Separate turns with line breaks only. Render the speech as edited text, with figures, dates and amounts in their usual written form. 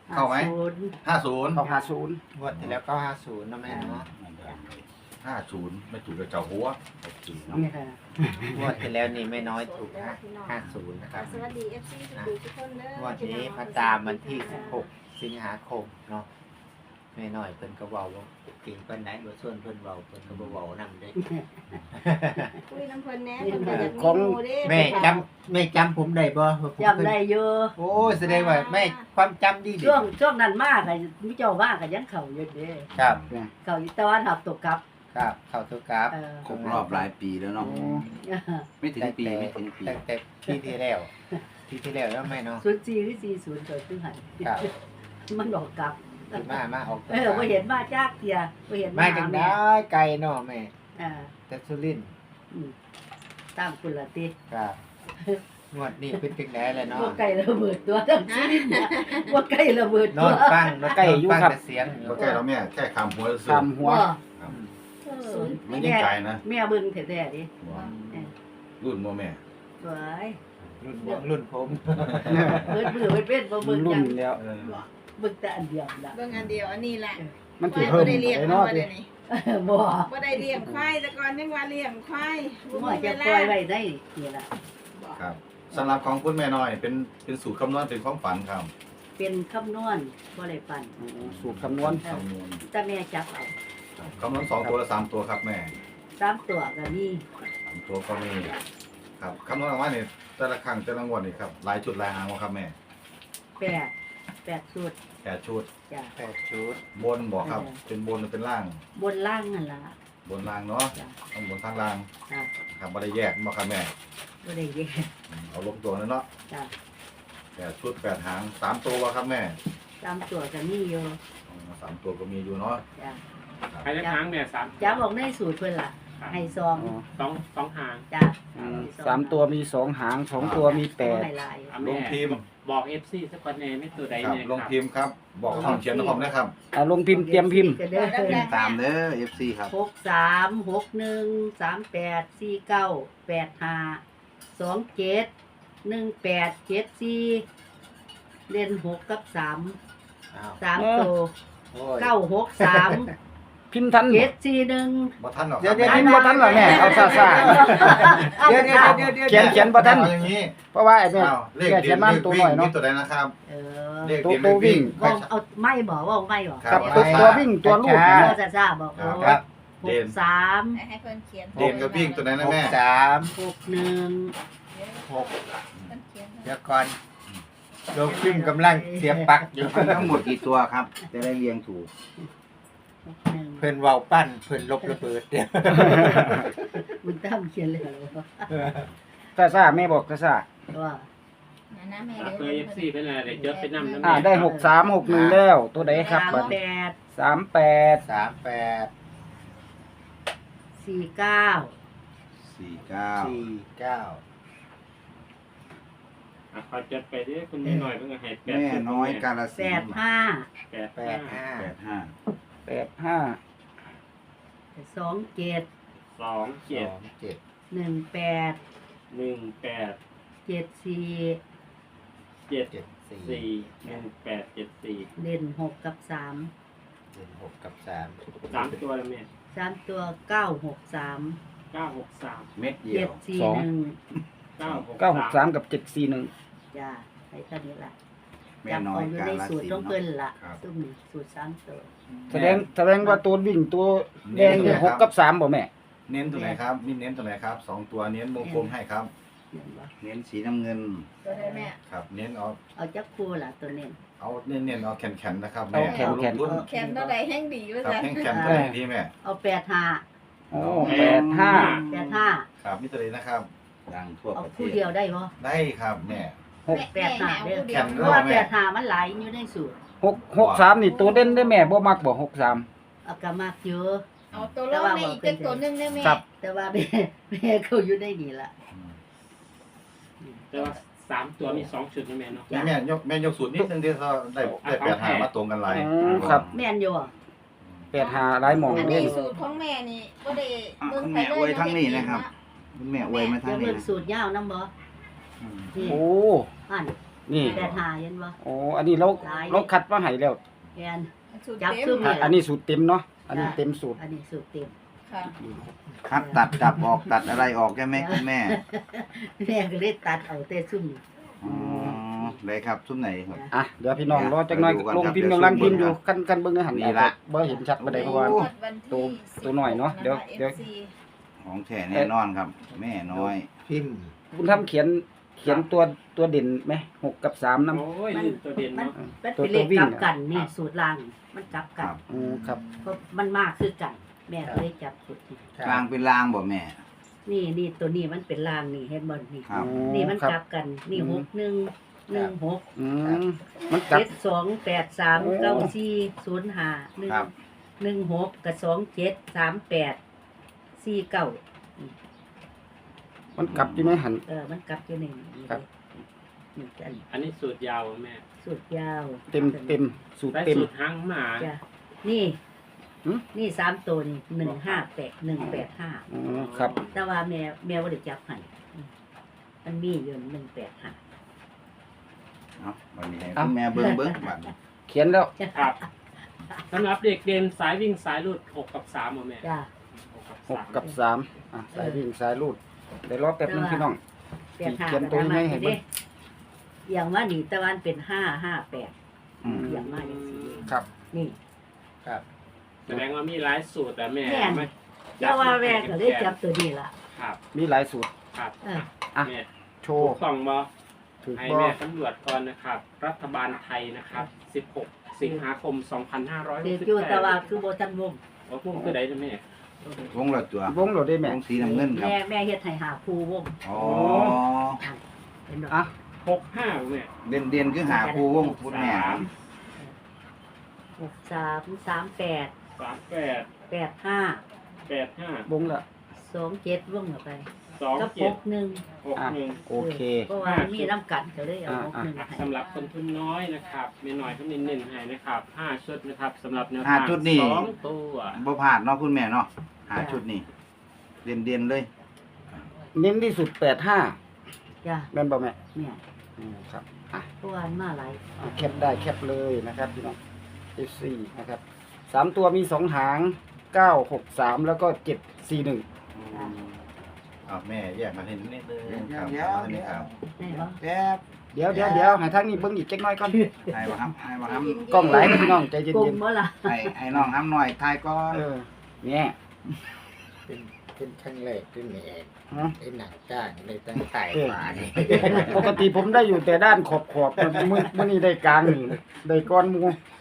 เข้าไหม50
เข้า50
งวดที่แล้วก็50นะแม่เนาะ
50ไม่ถูกกับเจ้าหัว
นี่ค่ะ
งวดที่แล้วนี่ไม่น้อยถูก50นะครับ
สวัสดี FC ทุกคนเด้อง
วดนี้มาตามวันที่16สิงหาคมเนาะแม่น้อยเพิ่นก็เว้าว่าเก่งปานไหนบ่ส่วนเพิ่นเว้าเพิ่นก็บ่เว้านำเด้
คุยน้ำเพิ่นแหน่เพิ่นก็อยากมีหมู่เด้
แม่จำผมได้บ่ว่าผม
จำได้อยู่
โอ้แสดงว่าแม่ความจำดีดี
ช่วงนั้นมากค่ะมีเจ้าว่าก็ยังเข้าอยู่เด้
ครับ
เข้าอยู่แต่ว่าหับตกกลับ
ครับเข้าตัวกราฟ
ครบรอบหลายปีแล้วเนาะไม่ถึงปีไม่ถึงปี
ตั้งแต่ปีที่แล้วแล้วแม่เนาะ
04หรือ40เกิดขึ้นหัน
ครับ
มันดอกกลับ
มาออกตัว
บ่เห็นมาจากเที่ยบ่เห็น
มาจังได้ไกลเนาะแม่ แต่สุรินทร์
ตามคุณละติ
ครับงวดนี้เป็นจังได๋ล่ะเนาะ
บ่ไก่ระเบิดตัวทั้งชีวิตเนี่ยบ่ไก่ระเบิด
น
ตั
อ
วน
ฟังใกล้อยู่ครับเสียง
บ่ใกล้แล้วแม่แค่คำหัวซื่อ
ตามหัว
มันยังไกลนะ
แม่เบิ่งแท้ๆดิ
รุ่นบ่แม่
สวย
รุ่นผม
เบิดมือเบิดเว้นบ่เบิ่ง
รุ่
หยั
น
ง
แล้ว
เบิ่งแต่อันเดียวล่ะ
เบิ่งอันเดียวอันนี้แหละ
มันสิเพิ่ม
บ่ได้เลี้ยง
ไป
เนาะ
เนาะ
เดี๋ยวนี้
บ่
บ่ได้เลี้ยงควายแต่ก่อนยังว่าเลี้ยงควายบ่
บ่
มี
จะ
เว
ปล่
ลา
อยไว้ได้นี่ล่ะ
ครับสำหรับของคุณแม่น้อยเป็นสูตรคำนวณเป็นความฝันครับ
เป็นคำนวณบ่ได้ปั่น
สูตรคำนวณ
คำนวณ
แต่แม่จับเอา
คำนวณ2ตัวและ3ตัวครับแม่
3ตัวก็มี
3ตัวก็มีครับคำนวณออกมาเนี่ยแต่ละครั้งแต่ละงวดนี่ครับหลายชุดหลายหางบ่ครับแม่
8ชุด
8ชุด
จ้ะ
8ชุด
บนบอกครับเป็นบนหรือเป็นล่าง
บนล่างนั่นล่ะ
บนล่างเนาะ
จ้ะ
ต้องบนทางล่าง
จ้ะ
ครับบ่ได้แยกบ่ครับแม่
บ่ได้แยก
เอาลงตัวนั่นเนาะ
จ้ะ
8ชุด8หาง3ตัวบ่ครับแม่
3ตัวก็มีอยู่
3ตัวก็มีอยู่เนาะ
จ้ะ
ใครจะค้างเนี่ยสาม
จับออกในสูตรเพิ่นล่ะให้ซอง
สองหาง
จ้ะ
3ตัวมี2หาง2ตัวมี
ให้
อ่ะ
ล
แม่
งพิมพ์
บอกเอฟซีสักคนเนี่ยไม่ตัวใด
ครับ
เนี่ย
ลงพิมพ์ครับ บอกคำเขียนนะครับนะครับ
8ลงพิมพ์เตรียมพิมพ์
เด้อ
ตามเด้อ FC ครับ
63 61 38 49 85 27 18 74เล่น6กับ3
อ้าว
3ตัว
โอ้ย
963
พิมพ์ทันบ่
741
บ่ทันหรอกค
เดี๋
รั
ยว
บ
พิมพ์บ่ทันเหรอแม่เอาซ่า
เดี๋ยว
เขียนบ่ทัน
เอาอย่างนี้
ๆเพราะว่าไอ้แม่
อ้าวเลข
แม่
เดี
เขี
ย
ย
น
นมา
เลข
ตัว
วิ่
ห
ง
น่อยเนาะ
นี่ตัวใดนะครับ
เออ
เลขเดียนเลขวิ่ง
ว่าเอาไม่บอกว่าไม่บอก
ครับ
ตัววิ่งตัวลูก
พ่
นะ
อซ่าบอก
ครับ
ครับ
63
ให้เพิ่นเขียน
เด่นกับวิ่งตัวใดนะแม่
63
61
6
เพิ่นเขียน
เดี๋ยวก่อนลงพิมพ์กำลังเสียบปลั๊กอยู่
ทั้งหมดกี่ตัวครับ จะได้เรียงถูก
61
เพิ่นเว้าปั้นเพิ่นลบระเบิดเดี๋ยว
บุญตั้มเขียนเลยเหรอ
ซ่าๆแม่บอกซ่า
ว่า
นะแม่
เคยเอฟซีเป็นอะไรเดี๋ยวจดไปนำ
ๆได้6361แล้วตัวใดครับบัดนี้
38
38
49
49
คอยจดไปดิคุณแม่หน่อยเพิ่งให้แปด
แม่น้อยกาลสินธุ์
85
85
85
27
27
27
18
18
74
74 1874
เล่น6กับ3
6กับ3
3ตัวแล้วแม่
3ตัว963
963
เม็ดเดียว
741
963กับ741
จ้าให้เท่านี้ล่ะ
แม่
จับ
น้อ
เอา
ย
อยู่
กา
ใน
ล
สูตร
สิน
ต้อง
ธุ์
เพิ่น
เนาะ
ล่ะ
ครับ
ตุ้มนี่สูตร3ตัว
แสดงว่าตัววิ่งตัวแดงนี่6กับ3บ่แม่
เน้นตัวไหนครับนี่เน้นตัวไหนครับ2ตัวเน้นวงกลมให้ครับ
เห็นบ่
เน้นสีน้ำเงิน
ตัวได้แม่
ครับ เน้นเอา
เอาจักคู่ล่ะตัวนี้
เอาเน้นเอาแข็งๆนะครับ
เอา
แม่
แข็งๆ
ลงทุน
แคนเท่าใดแห้งดีว่า
ครับ
ซั่น
แข็งๆตัวไหนดีแม่
เอา85
โอ้
85
ครับนี่ตัวไหนนะครับ
ดังทั่ว
เอา
ประเท
คู่
ศ
เดียวได้บ่
ได้ครับแม่
85เด้อ
แข็ง
เพ
ด้
ราะ
วย
ว่า
แม่
85มันหลายอยู่ในสูตร
63นี่ตัวเด่นได้แม่บ่มักบ่63
เอาก็มากเยอะ
เอาตัวลงในอีกจักตัวหนึงได้แม่
ครับ
แต่ว่าแม่เขาอยู่ในนี่ล่ะ
แต่ว่า3ตัวมี2ชุดนี่แม่เนาะ
แม่ยกสูตรนิดนึงที่เขาได้8หามาตรงกันหลาย
ครับ
แม่นอยู่อ่ะ
85หลายหม่อง
อัน
เด้
นี้สูตรของแม่นี่บ่ได้เบิ่ง
คุณแม่อวยทั้งนี้นะครับคุณแม่อวยมาทั้
จะ
งนี้
เบิ่ง
นะ
สูตรยาวนํบ่
โอ้
อัน
นี่
85เห็นบ่
โอ้อันนี้เราคัดมาให้แล้ว
แม่น
สูตร
จับ
เต็ม
ซุ่ม
อันนี้สูตรเต็มเนาะอันนี้เต็มสูตร
อันนี้สูตรเต็ม
ค่ะ
คัดตัดดับออกตัดอะไรออกใช่ไหมคุณแม่
แม่ก็เลยตัดเอาแต่ซุ่มนี่
อ๋อได้ครับซุ้มไหนครับ
อ่ะเดี๋ยวพี่น้องรอจักหน่อย
ดูก่อน
ลง
ครับ
พิมพ์
เดี๋ยว
กำลัง
ซูม
พิมพ์อยู่
ก่อน
กันเบิ่งในหัน
นี่ละ
บ่เห็นชัดบ่ได้เพราะว่า
โอ้
ตัวหน่อยเนาะเดี๋ยว
ของแท้แน่นอนครับ แม่น้อย
พิมพ์
คุณทำเขียนตัวเด่นไหม6กับ3นำ
โอ้ยนี่ตัวเด่น
มัน
เนาะ
มันเป็นเลขกลับกันนี่สูตรล่างมันกลับ
ค
กั
รั
น
บ
ครับ
เพราะมันมากคือกัน แม่ก็เลยจับสูตรนี้
กลางเป็นรางบ่แม่
นี่ตัวนี้มันเป็นล่างนี่เห็นบ่นี่
ครับ
นี่มัน
ครั
กลับกันนี่
อืม
6116
อืมมันกลับ
72839405
ครับ
16กับ273849
มันกลับอยู่ในหัน
มันกลับอยู่ในนี่
ครับ
นี่กัน
อันนี้สูตรยาวแม่
สูตรยาว
เต็มสูตร
ได้
เต็ม
สูตรหางหมา
จ้ะนี่
หืม
นี่3ตัวนี่158
ครับ
185แต่ว่าแม่บ่ได้จับให้มันมีอยู่185
เอาวันนี้ให้คุณแม่เบิ่งบัดนี้
เขียนแล้ว
ครับสำหรับเด็กเด่นสายวิ่งสายรูด6กับ3บ่แม่
จ้ะ
6กับ3สายวิ่งสายรูดเดี๋ยวรอแป๊บนึงพี่น้อง
85
เขียนตัวให้เห็นไหม
อย่างว่านี่ตะวันเป็น558
อืม
อย่างมาอย่างนี้
ครับ
นี่
แสดงว่ามีหลายสูตรแต่แม่
แม่น
ไม่
เจ้าว่าแม่ก็เลยจับตัวนี้ล่ะ
ครับ
มีหลายสูตร
ครับ
เออ
อ่ะ
แม่
โช
ถู
ว์
กต้องบ่
ถูก
ให้
บ่
แม่ตำรวจก่อนนะครับ รัฐบาลไทยนะครับ 16 สิงหาคม
เด็กอยู่แต่ว่า
2568
คือบ่ทันวง
ว่าพวกคือใดจ้ะแม่
วงละตัว
วงเราได้แม่
วงสีน้ำเงินครับ
แม่เฮ็ดให้หาครูวง
อ๋อ
เห็นบ่
อ่ะ
65แม่
เด่นคือหาคู่วงคุณแม่ครับ
6338
38
85
85
วงละ
27วงเข้าไปกับ
27
61
61
โอเค
เพราะว่ามีน้ำกันก็เลยเอา61ให้
สำหรับคนทุนน้อยนะครับไม่น้อยก็เน้นๆให้นะครับ5ชุดนะครับสำหรับแนว
ห้า
ทาง
ชุดนี่
2ตัว
บ่พลาดเนาะคุณแม่เนาะหาชุดนี้เด่นเลย
เน้นที่สุด85
จ้ะ
แม่นบ่แม่
แม่
ครับอ่ะ
เพราะว่ามันมาหลาย
แคปได้แคปเลยนะครับพี่น้อง F4 นะครับ3ตัวมี2หาง963แล้วก็741
อ้าวแม่แยกมาเห็นนิดนึงครับอันนี้ครับ
ได้บ่
แป๊บ
เดี๋ยวให้ทางนี้เบิ่งอีกจักหน่อยก่อน
ให้บ่ครับให้บ่ครับ
กล้องหลายนะพี่น้องใจเ
กล
ย็
ม
น
บ่ล่ะ
ให้น้องทำหน่อยทายก่อ
ๆ
น
เนี่ย
เป็นครั้งแรกที่แม่
ฮะ
ไอ้หนังจ้างในตั้งไต่ฝานี่
ปกติผมได้อยู่แต่ด้านขอบๆมื้อนี้ได้กลางนี่ได้ก้อนหมู